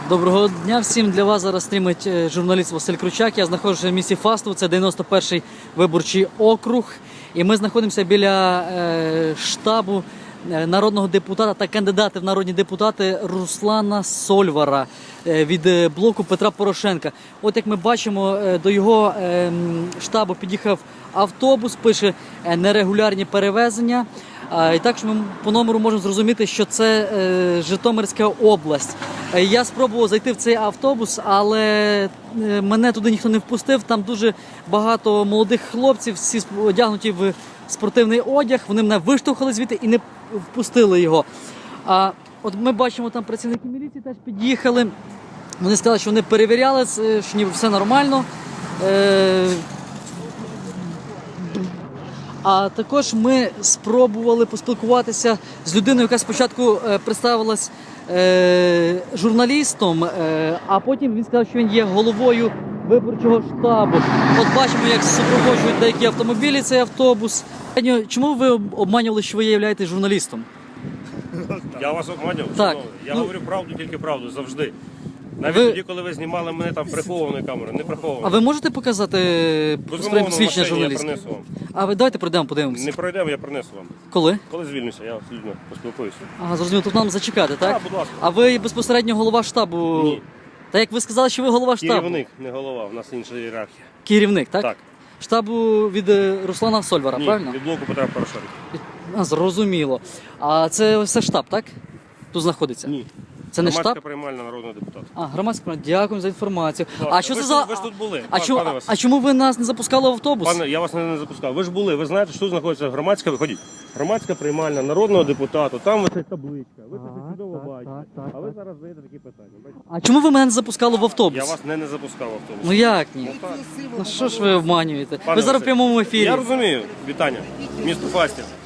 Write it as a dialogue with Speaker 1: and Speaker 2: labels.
Speaker 1: Доброго дня всім. Для вас зараз стрімить журналіст Василь Кручак. Я знаходжуся в місті Фастов, це 91-й виборчий округ. І ми знаходимося біля штабу народного депутата та кандидата в народні депутати Руслана Сольвара від блоку Петра Порошенка. От як ми бачимо, до його штабу під'їхав автобус, пише нерегулярні перевезення. І також ми по номеру можемо зрозуміти, що це Житомирська область. Я спробував зайти в цей автобус, але мене туди ніхто не впустив. Там дуже багато молодих хлопців, всі одягнуті в спортивний одяг. Вони мене виштовхали звідти і не впустили його. От ми бачимо, там працівники міліції теж під'їхали. Вони сказали, що вони перевіряли, що ніби все нормально. А також ми спробували поспілкуватися з людиною, яка спочатку представилась журналістом, а потім він сказав, що він є головою виборчого штабу. От бачимо, як супроводжують деякі автомобілі цей автобус. Чому ви обманювали, що ви являєтесь журналістом?
Speaker 2: Я вас обманював?
Speaker 1: Так.
Speaker 2: Я говорю правду, тільки правду, завжди. Навіть тоді, коли ви знімали мене там прихованою камерою, не прихованою.
Speaker 1: А ви можете показати своє посвідчення журналіста?
Speaker 2: Я принесу вам.
Speaker 1: А ви давайте пройдемо, подивимося.
Speaker 2: Не пройдемо, я принесу вам.
Speaker 1: Коли?
Speaker 2: Коли звільнюся, я з людьми поспілкуюся.
Speaker 1: Ага, зрозуміло, тут нам зачекати, так?
Speaker 2: Так, будь ласка.
Speaker 1: А ви безпосередньо голова штабу?
Speaker 2: Ні.
Speaker 1: Та як ви сказали, що ви голова штабу?
Speaker 2: Керівник, не голова, в нас інша ієрархія.
Speaker 1: Керівник, так?
Speaker 2: Так.
Speaker 1: Штабу від Руслана Сольвара,
Speaker 2: Ні,
Speaker 1: правильно?
Speaker 2: від блоку Петра Порошенка.
Speaker 1: Зрозуміло. А це все штаб, так? Тут знаходиться?
Speaker 2: Ні.
Speaker 1: Це не
Speaker 2: Громадська
Speaker 1: штаб?
Speaker 2: приймальна народного депутата.
Speaker 1: А, громадська. Дякую за інформацію.
Speaker 2: Будь ласка,
Speaker 1: А що
Speaker 2: ви
Speaker 1: це
Speaker 2: ж
Speaker 1: за...
Speaker 2: тут- ви ж тут були,
Speaker 1: А,
Speaker 2: пане Василь.
Speaker 1: а чому ви нас не запускали в автобус?
Speaker 2: Пане, я вас не запускав. Ви ж були, ви знаєте, що тут знаходиться громадська, виходіть. Громадська приймальна народного депутата, там ось ця табличка. Ви це чудово бачите.
Speaker 1: так,
Speaker 2: А ви зараз задаєте такі питання. Бачите?
Speaker 1: А чому ви мене не запускали в автобус?
Speaker 2: Я вас не запускав в автобус.
Speaker 1: Ну як ні?
Speaker 2: так.
Speaker 1: Ну що ж ви обманюєте?
Speaker 2: Пане
Speaker 1: Ви зараз в
Speaker 2: Василь,
Speaker 1: прямому ефірі.
Speaker 2: Я розумію. Вітання. Місто Фастів.